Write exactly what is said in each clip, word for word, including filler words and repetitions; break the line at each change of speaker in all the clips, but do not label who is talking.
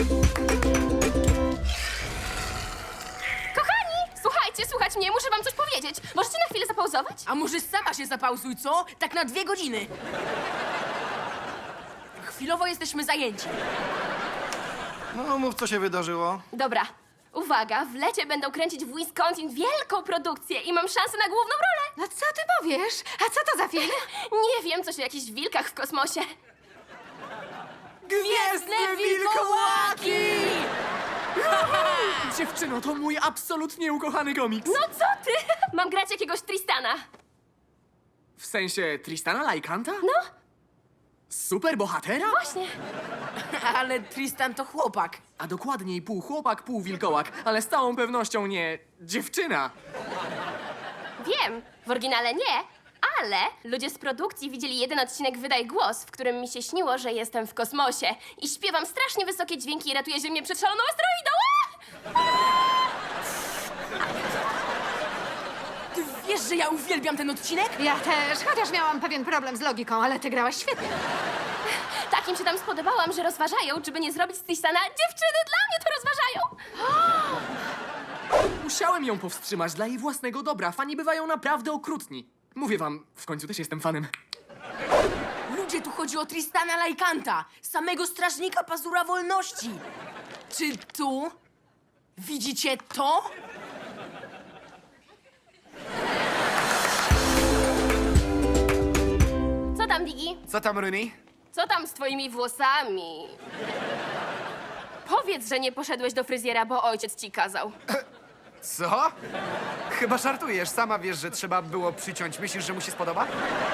Kochani, słuchajcie, słuchać mnie, muszę wam coś powiedzieć. Możecie na chwilę zapauzować?
A może sama się zapauzuj, co? Tak na dwie godziny. Chwilowo jesteśmy zajęci.
No, mów, co się wydarzyło.
Dobra, uwaga, w lecie będą kręcić w Wisconsin wielką produkcję i mam szansę na główną rolę.
No co ty powiesz? A co to za film?
Nie wiem, coś o jakichś wilkach w kosmosie.
Gwiezdne wilkołaki!
Dziewczyno, to mój absolutnie ukochany komiks.
No co ty? Mam grać jakiegoś Tristana.
W sensie Tristana Lajkanta?
No,
Super bohatera?
właśnie.
Ale Tristan to chłopak.
A dokładniej pół chłopak, pół wilkołak, ale z całą pewnością nie dziewczyna.
Wiem, w oryginale nie, ale ludzie z produkcji widzieli jeden odcinek Wydaj Głos, w którym mi się śniło, że jestem w kosmosie i śpiewam strasznie wysokie dźwięki i ratuję Ziemię przed szaloną asteroidą.
Ty wiesz, że ja uwielbiam ten odcinek?
Ja też, chociaż miałam pewien problem z logiką, ale ty grałaś świetnie.
Tak im się tam spodobałam, że rozważają, czy by nie zrobić z Tristana dziewczyny. Dla mnie to rozważają.
Musiałem ją powstrzymać dla jej własnego dobra. Fani bywają naprawdę okrutni. Mówię wam, w końcu też jestem fanem.
Ludzie, tu chodzi o Tristana Lajkanta, samego strażnika pazura wolności. Czy tu widzicie to?
Co tam, Digi?
Co tam, Rooney?
Co tam z twoimi włosami? Powiedz, że nie poszedłeś do fryzjera, bo ojciec ci kazał.
Co? Chyba żartujesz. Sama wiesz, że trzeba było przyciąć. Myślisz, że mu się spodoba?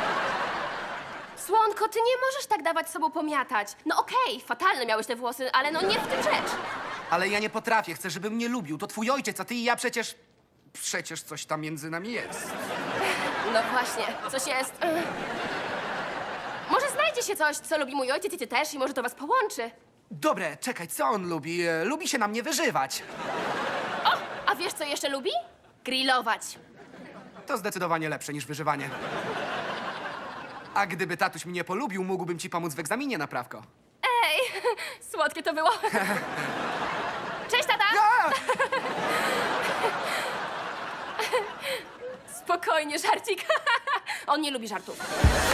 Słonko, ty nie możesz tak dawać sobą pomiatać. No okej, fatalne miałeś te włosy, ale no nie w tym rzecz.
Ale ja nie potrafię. Chcę, żeby mnie lubił. To twój ojciec, a ty i ja przecież... Przecież coś tam między nami jest.
No właśnie, coś jest. Ugh. Może znajdzie się coś, co lubi mój ojciec i ty też i może to was połączy.
Dobre, czekaj, co on lubi? E, Lubi się na mnie wyżywać.
O, a wiesz co jeszcze lubi? Grillować.
To zdecydowanie lepsze niż wyżywanie. A gdyby tatuś mnie polubił, mógłbym ci pomóc w egzaminie na prawko.
Ej, słodkie to było. Cześć, tata!
A!
Spokojnie, żarcik. On nie lubi żartów.